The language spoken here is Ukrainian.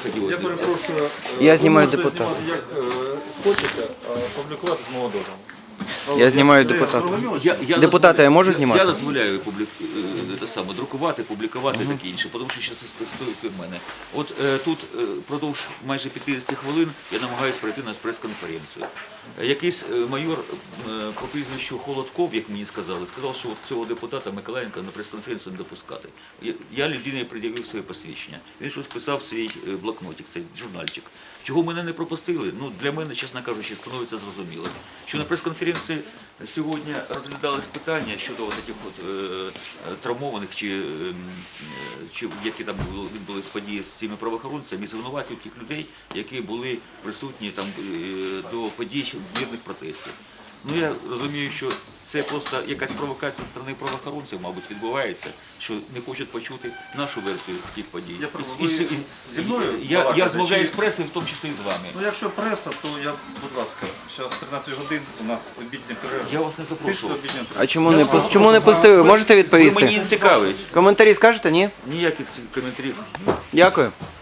хотілося. Я перепрошую. Я знімаю ви можете депутата. знімати як хочете, а публікувати з мого дозволу. Я знімаю Це депутата. зрозуміло? Депутата я можу знімати? Я дозволяю друкувати, публікувати і таке інше, тому що це стосується від мене. От тут продовж майже 50 хвилин я намагаюся прийти на прес-конференцію. Якийсь майор по прізвищу Холодков, як мені сказали, сказав, що от цього депутата Миколаєнка на прес-конференцію не допускати. Я людині пред'явив своє посвідчення. Він щось писав в свій блокнотик, цей журнальчик. Чого мене не пропустили? Ну, для мене, чесно кажучи, становиться зрозуміло. Що на прес-конференції сьогодні розглядались питання щодо таких травмованих, чи які там відбулись події з цими правоохоронцями, і звинувачують тих людей, які були присутні там до подій мирних протестів. Ну, я розумію, що це просто якась провокація з сторони правоохоронців, мабуть, відбувається, що не хочуть почути нашу версію тих подій. Зі мною Я балакаєте, розмовляю чи- з пресою, в тому числі і з вами. Ну, якщо преса, то я, будь ласка, зараз 13 годин, у нас обідня перерва. Я вас не Пишіть запрошував. обідня перерва. А чому не пустили? Можете Ви мені відповісти? не цікавить. Коментарі скажете, ні? Ніяких коментарів. Дякую.